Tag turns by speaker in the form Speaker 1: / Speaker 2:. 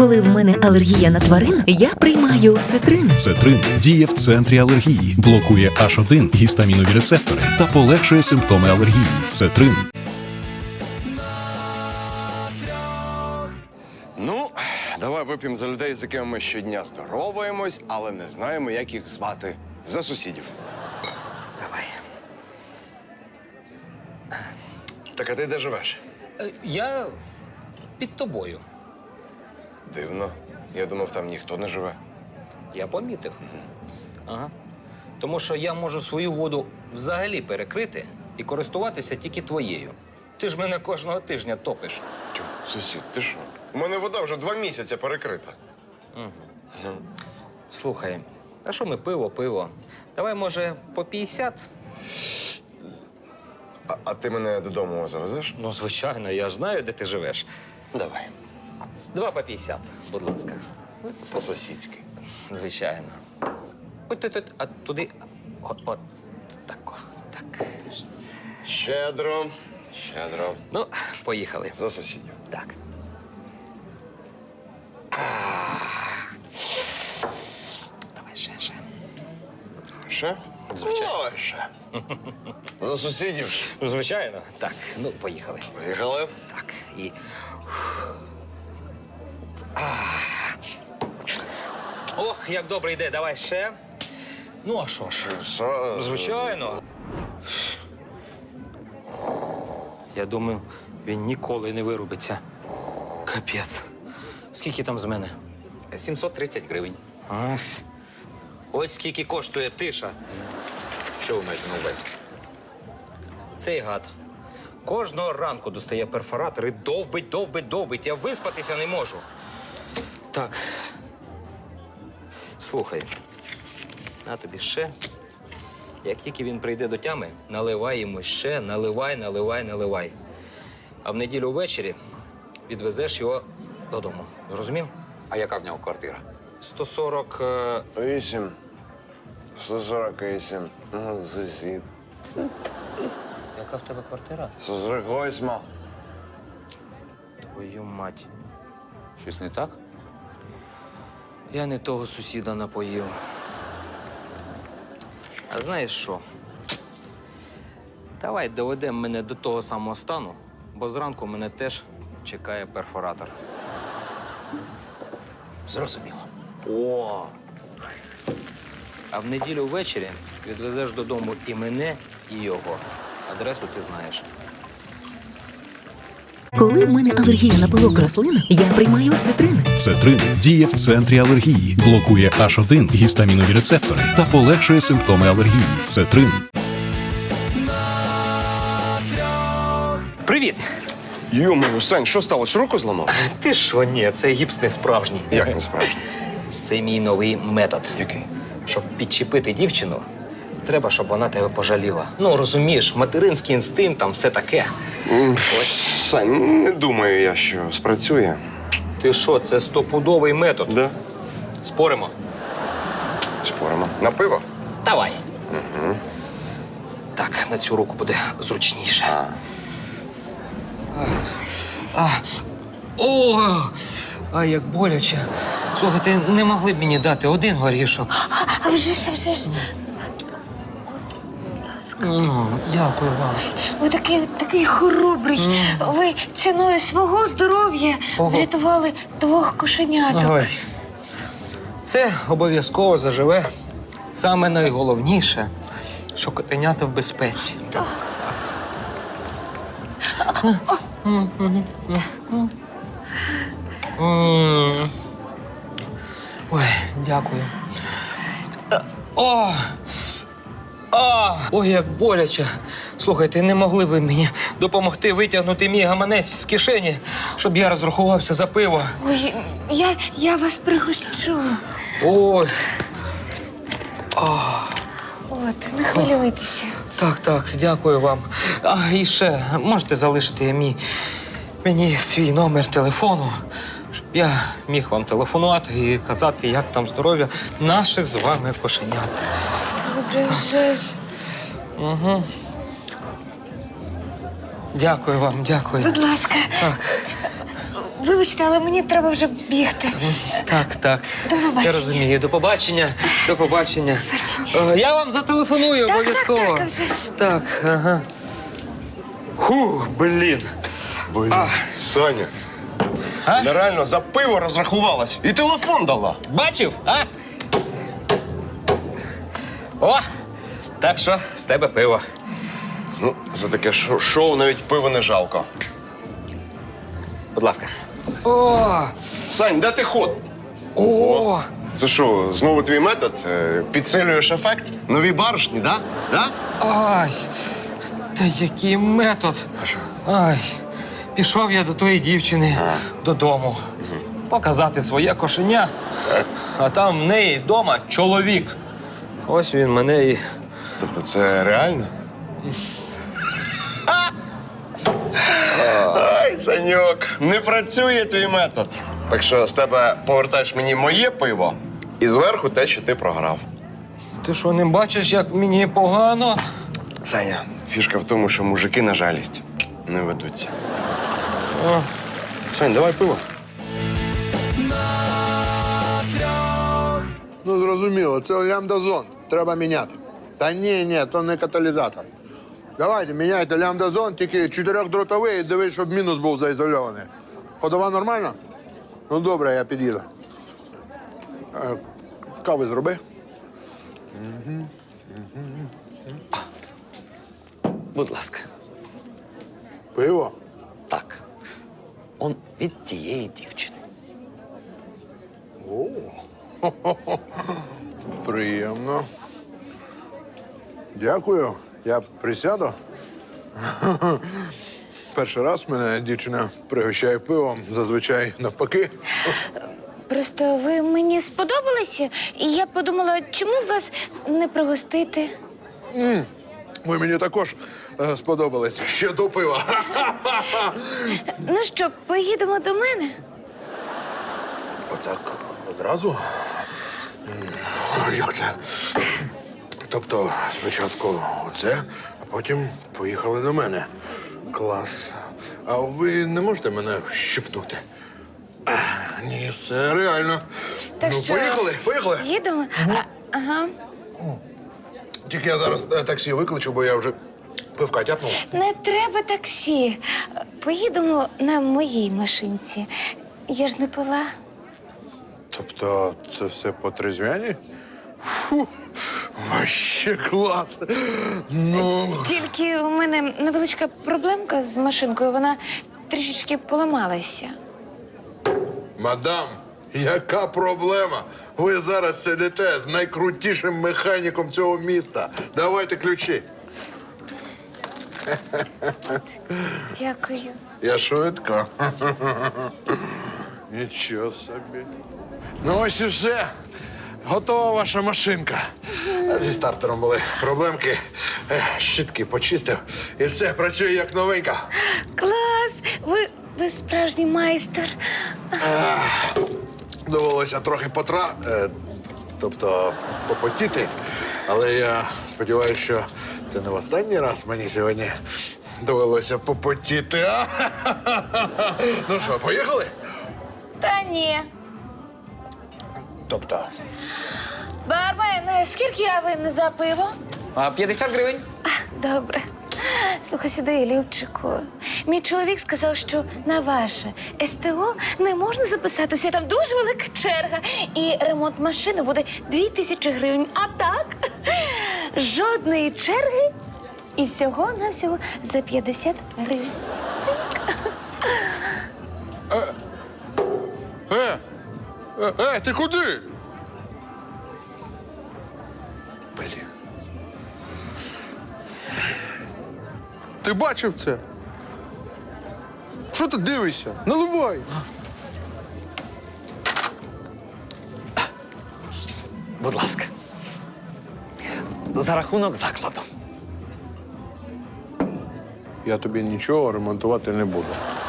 Speaker 1: Коли в мене алергія на тварин, я приймаю цитрин.
Speaker 2: Цетрин діє в центрі алергії, блокує H1 гістамінові рецептори та полегшує симптоми алергії. Цетрин.
Speaker 3: Ну, давай вип'ємо за людей, з якими ми щодня здороваємось, але не знаємо, як їх звати. За сусідів.
Speaker 4: Давай.
Speaker 3: Так, а ти де живеш?
Speaker 4: Я під тобою.
Speaker 3: Дивно. Я думав, там ніхто не живе.
Speaker 4: Я помітив. Ага. Тому що я можу свою воду взагалі перекрити і користуватися тільки твоєю. Ти ж мене кожного тижня топиш.
Speaker 3: Тю, сусід, ти що? У мене вода вже 2 місяці перекрита.
Speaker 4: Слухай, а що ми пиво? Давай, може, по 50?
Speaker 3: А ти мене додому завезеш?
Speaker 4: Ну, звичайно, я ж знаю, де ти живеш.
Speaker 3: Давай.
Speaker 4: 2 по 50, будь ласка.
Speaker 3: По-сусідськи.
Speaker 4: Звичайно. А туди. От. Так.
Speaker 3: Щедро.
Speaker 4: Ну, поїхали.
Speaker 3: За сусідів.
Speaker 4: Так. Давай ще.
Speaker 3: Ще?
Speaker 4: Звичайно.
Speaker 3: Давай ще. За сусідів.
Speaker 4: Звичайно. Так, ну, поїхали.
Speaker 3: Поїхали.
Speaker 4: Так, і. Ох, як добре йде, давай ще. Ну, а що ж? Звичайно. Я думаю, він ніколи не вирубиться. Капець. Скільки там з мене?
Speaker 5: 730 гривень.
Speaker 4: Ось скільки коштує тиша.
Speaker 5: Що ви маєте на увазі?
Speaker 4: Цей гад кожного ранку достає перфоратор і довбить. Я виспатися не можу. Так. Слухай. На тобі ще. Як тільки він прийде до тями, наливай йому ще, наливай. А в неділю ввечері відвезеш його додому. Зрозумів?
Speaker 5: А яка в нього квартира?
Speaker 4: 140...
Speaker 3: 8. 148. Сусід.
Speaker 4: Яка в тебе квартира?
Speaker 3: 148.
Speaker 4: Твою мать.
Speaker 5: Щось не так?
Speaker 4: Я не того сусіда напоїв. А знаєш що? Давай доведемо мене до того самого стану, бо зранку мене теж чекає перфоратор.
Speaker 5: Зрозуміло.
Speaker 3: О!
Speaker 4: А в неділю ввечері відвезеш додому і мене, і його. Адресу ти знаєш.
Speaker 1: Коли в мене алергія на пилок рослин, я приймаю цитрин.
Speaker 2: Цетрин діє в центрі алергії, блокує H1 гістамінові рецептори та полегшує симптоми алергії. Цетрин.
Speaker 4: Привіт!
Speaker 3: Йо-моє, Сань, що сталося? Руку зламав?
Speaker 4: Ти що, ні, це гіпс не справжній.
Speaker 3: Як не справжній?
Speaker 4: Це мій новий метод.
Speaker 3: Який?
Speaker 4: Щоб підчепити дівчину, треба, щоб вона тебе пожаліла. Ну, розумієш, материнський інстинкт, там все таке.
Speaker 3: Сань, не думаю я, що спрацює.
Speaker 4: Ти що, це стопудовий метод.
Speaker 3: Да?
Speaker 4: Споримо?
Speaker 3: Споримо. На пиво?
Speaker 4: Давай. Так, на цю руку буде зручніше. О, як боляче. Слухайте, не могли б мені дати один горішок?
Speaker 6: А вже ж.
Speaker 4: Дякую вам.
Speaker 6: Ви такий хоробрий. Ви ціною свого здоров'я врятували 2 кошеняток.
Speaker 4: Ой. Це обов'язково заживе. Саме найголовніше, що котенята в безпеці.
Speaker 6: Так.
Speaker 4: Ой, дякую. Ой, як боляче. Слухайте, не могли ви мені допомогти витягнути мій гаманець з кишені, щоб я розрахувався за пиво?
Speaker 6: Ой, я вас пригощу.
Speaker 4: Ой,
Speaker 6: От, не хвилюйтеся.
Speaker 4: так, дякую вам. І ще, можете залишити мені свій номер телефону, щоб я міг вам телефонувати і казати, як там здоров'я наших з вами кошенят.
Speaker 6: Добре, вже ж.
Speaker 4: Дякую вам, дякую.
Speaker 6: Будь ласка.
Speaker 4: Так.
Speaker 6: вибачте, але мені треба вже бігти.
Speaker 4: Так.
Speaker 6: До побачення.
Speaker 4: Я розумію. До побачення. До побачення. Я вам зателефоную обов'язково.
Speaker 6: Так, вже ж.
Speaker 4: Так, ага. Фу, блін.
Speaker 3: Саня,
Speaker 4: А?
Speaker 3: нереально за пиво розрахувалась і телефон дала.
Speaker 4: Бачив, а? О! Так що з тебе пиво.
Speaker 3: Ну, за таке шоу навіть пиво не жалко.
Speaker 4: Будь ласка. О!
Speaker 3: Сань, де ти ход?
Speaker 4: О!
Speaker 3: Це що, знову твій метод? Підсилюєш ефект? Нові баришні, да? Да?
Speaker 4: Ай! Та який метод?
Speaker 3: А що?
Speaker 4: Ай! Пішов я до тої дівчини додому. Показати своє кошеня. А там в неї вдома чоловік. Ось він мене і.
Speaker 3: Тобто це реально? Ай, Саньок, не працює твій метод. Так що з тебе повертаєш мені моє пиво і зверху те, що ти програв.
Speaker 4: Ти що, не бачиш, як мені погано?
Speaker 3: Саня, фішка в тому, що мужики на жалість не ведуться.
Speaker 4: О.
Speaker 3: Сань, давай пиво.
Speaker 7: Ну, зрозуміло, це лямбда-зон. Треба міняти. Та ні, то не каталізатор. Давайте, міняйте лямбда-зон, тільки 4-дротовий і дивись, щоб мінус був заізольований. Ходова нормальна? Ну, добре, я під'їду. Кави зроби.
Speaker 5: Будь ласка.
Speaker 7: Пиво.
Speaker 5: Так. Он від тієї дівчини.
Speaker 7: Приємно. Дякую. Я присяду. Перший раз мене дівчина пригощає пивом, зазвичай навпаки.
Speaker 6: Просто ви мені сподобалися, і я подумала, чому вас не пригостити?
Speaker 7: Ви мені також сподобались. Ще до пива.
Speaker 6: Ну що, поїдемо до мене?
Speaker 7: Отак одразу? Як це? Тобто спочатку оце, а потім поїхали до мене. Клас. А ви не можете мене щипнути? Ні, все реально.
Speaker 6: Так
Speaker 7: ну,
Speaker 6: що,
Speaker 7: поїхали.
Speaker 6: Їдемо? Ага.
Speaker 7: Тільки я зараз таксі викличу, бо я вже пивка тяпнув.
Speaker 6: Не треба таксі. Поїдемо на моїй машинці. Я ж не пила.
Speaker 7: Тобто це все по трезвяні? Фу, вообще клас. Ну,
Speaker 6: Тільки у мене невеличка проблемка з машинкою. Вона трішечки поламалася.
Speaker 7: мадам, яка проблема? Ви зараз сидите з найкрутішим механіком цього міста. Давайте ключі.
Speaker 6: Дякую.
Speaker 7: Я швидко. Нічого собі. Ну ось і все. Готова ваша машинка. Зі стартером були проблемки. Щітки почистив. І все, працює як новенька.
Speaker 6: Клас! Ви справжній майстер.
Speaker 7: Довелося трохи тобто попотіти. Але я сподіваюся, що це не в останній раз мені сьогодні довелося попотіти. А? Ну що, поїхали?
Speaker 6: Та ні.
Speaker 7: Тобто,
Speaker 6: Бармен, скільки я винна за пиво?
Speaker 5: 50 гривень.
Speaker 6: Добре. Слухай сюди, Любчику. Мій чоловік сказав, що на ваше СТО не можна записатися, там дуже велика черга. І ремонт машини буде 2000 гривень. А так, жодної черги і всього-навсього за 50 гривень.
Speaker 7: ти куди? Блін. Ти бачив це? Що ти дивишся? Наливай.
Speaker 5: Будь ласка. За рахунок закладу.
Speaker 7: Я тобі нічого ремонтувати не буду.